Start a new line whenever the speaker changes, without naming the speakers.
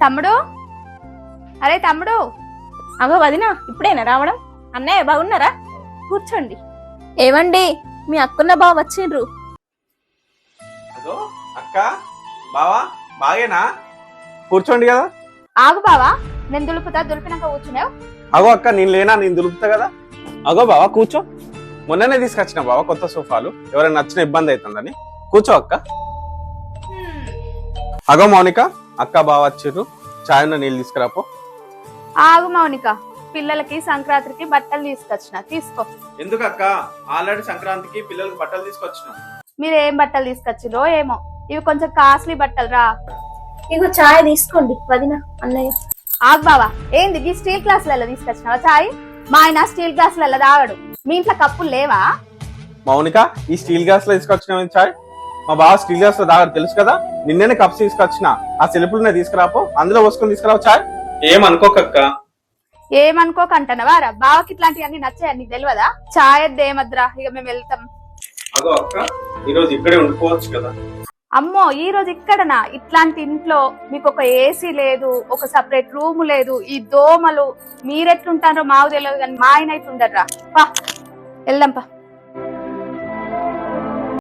తమ్ముడు, అరే తమ్ముడు.
అగో వదినా, ఇప్పుడేనా రావడం? అన్నయ్య బాగున్నారా? కూర్చోండి. ఏవండి, మీ అక్కున్న బావ వచ్చిండ్రు.
అదో అక్క, బావా, బాగేనా? కూర్చోండి కదా.
ఆగు బావా, నేను దులిపినాక కూర్చున్నావు.
అగో అక్క, నేను లేనా? నేను దులుపుతా కదా. అగో బావా, కూర్చో. మొన్ననే తీసుకొచ్చిన బావా కొత్త సోఫాలు, ఎవరైనా నచ్చిన ఇబ్బంది అవుతుందని. కూర్చో అక్క. అగో మౌనిక, అక్క బావ వచ్చిర్రు, చాయ్ ఉన్న నీళ్ళు తీసుకురాపో.
ఆగు మౌనిక, పిల్లలకి సంక్రాంతికి బట్టలు తీసుకొచ్చిన, తీసుకో.
ఎందుకు అక్క? ఆల్రెడీ సంక్రాంతికి పిల్లలకి బట్టలు తీసుకొచ్చిన.
మీరు ఏం బట్టలు తీసుకొచ్చిరో ఏమో, ఇవి కొంచెం కాస్ట్లీ బట్టలు రా.
ఇగో చాయ్ తీసుకోండి వదినా, అన్నయ్య.
ఆగు బావా, ఏంది ఈ స్టీల్ గ్లాసులలో తీసుకొచ్చినావా చాయ్? మా ఆయన స్టీల్ గ్లాసులలో తాగడు. మీ ఇంట్లో కప్పులు లేవా?
మౌనిక, ఈ స్టీల్ గ్లాస్ లో తీసుకొచ్చిన చాయ్. మా బావ స్టీల్ గ్లాస్ లో తాగడు తెలుసు కదా. నిన్నే కప్స్ తీసుకొచ్చిన, ఆ సెల్పులనే తీసుకురాపో, అందులో పోసుకొని తీసుకురావు చాయ్. ఏమనుకోకక్క.
ఏమనుకోకంటనవా రా? బావకి ఇట్లాంటివన్నీ నచ్చాయి, నీకు తెలియదా? చాయ్ ఏమద్రా, ఇక మేము వెళ్తాం.
అగో అక్క, ఈ రోజు ఇక్కడే ఉండిపోవచ్చు కదా.
అమ్మో, ఈ రోజు ఇక్కడనా? ఇట్లాంటి ఇంట్లో మీకు ఒక ఏసీ లేదు, ఒక సపరేట్ రూమ్ లేదు, ఈ దోమలు. మీరెట్లుంటారో మాకు తెలియదు కానీ మా ఆయన అయితే ఉండర్రా. వెళ్దాంపా.